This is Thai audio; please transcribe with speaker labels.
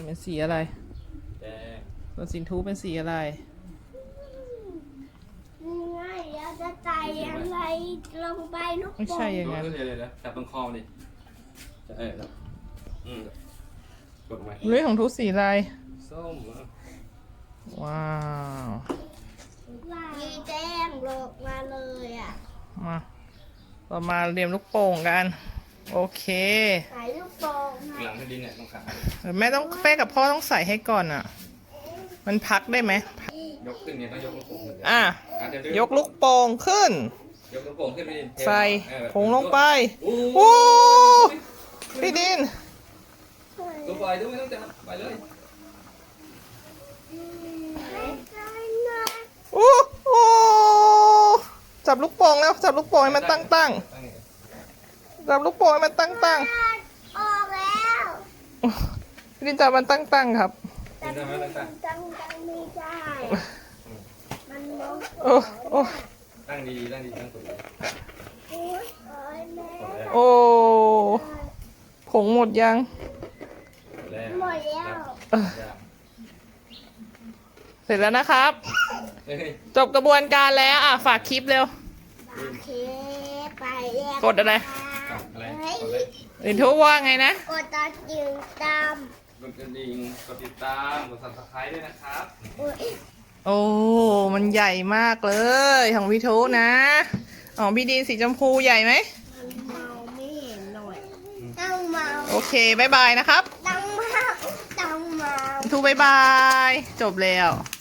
Speaker 1: เป็นสีอะไร
Speaker 2: แดง
Speaker 1: ส่วนสินทูเป็นสีอะไร
Speaker 3: ง่ายแล้วจะใจอะไรลงไปนก
Speaker 1: ไม่ใช่อย่างนั้น
Speaker 2: เดี๋ยวจับตรงคอดิจะแล้วกดไว้
Speaker 1: เรื่องของทูสีอะไร
Speaker 2: ส้ม
Speaker 1: ว้าว
Speaker 3: มีแจ้งโลกมาเลยอ่ะ
Speaker 1: มาเรามาเรียมลูกโป่งกันโอเค
Speaker 3: ใส่ลูกโป่ง
Speaker 2: หลังให้ดินเนี่ยตรงขา
Speaker 1: แม่ต้องแม่กับพ่อต้องใส่ให้ก่อนอ่ะมันพักได้ไหม
Speaker 2: ยกขึ้นเนี่ยต้องยกลูกโป่งขึ้น
Speaker 1: ยกลูกโป่งขึ้น
Speaker 2: ยกลูกโป่งขึ้นไปดิ
Speaker 1: ใส่ผงลงไปโอ้พี่ดิน
Speaker 2: ตัวปล่อยด้วยไม่ต้องจับไปเลย
Speaker 1: โอ้โหจับลูกโป่งแล้วจับลูกโป่งให้มันตั้งจับลูกโป่งให้มันตั้ง
Speaker 3: ออกแล้ว
Speaker 1: พี่ดินจับมันตั้งครับ
Speaker 2: ตั้งได้ไหมตั้ง
Speaker 3: ตั้งไม่ได้มันลง
Speaker 1: โอ้
Speaker 2: ตั้งดีตั้งถูก
Speaker 3: โอ้ยแม่
Speaker 1: โอ้ผงหมดยัง
Speaker 3: หมดแล้ว
Speaker 1: เสร็จแล้วนะครับ จบกระบวนการแล้วฝากคลิปเร็ว
Speaker 3: โอเคไปแล้ว
Speaker 1: กดอะไร
Speaker 2: อะไร
Speaker 1: ลินทุว่าไงนะ
Speaker 3: กดตัดยืนตาม
Speaker 2: กดกระดิ่งกดติดตามกด subscribe ด้วยนะครับ
Speaker 1: โอ้มันใหญ่มากเลยของพี่ทุนะของพี่ดีนสีชมพูใหญ่ไหม
Speaker 3: เมาไม่เห็นหน่อยต้องเมา
Speaker 1: โอเคบายบายนะครับ
Speaker 3: ต้องเมา
Speaker 1: พี่ทุบายบายจบแล้ว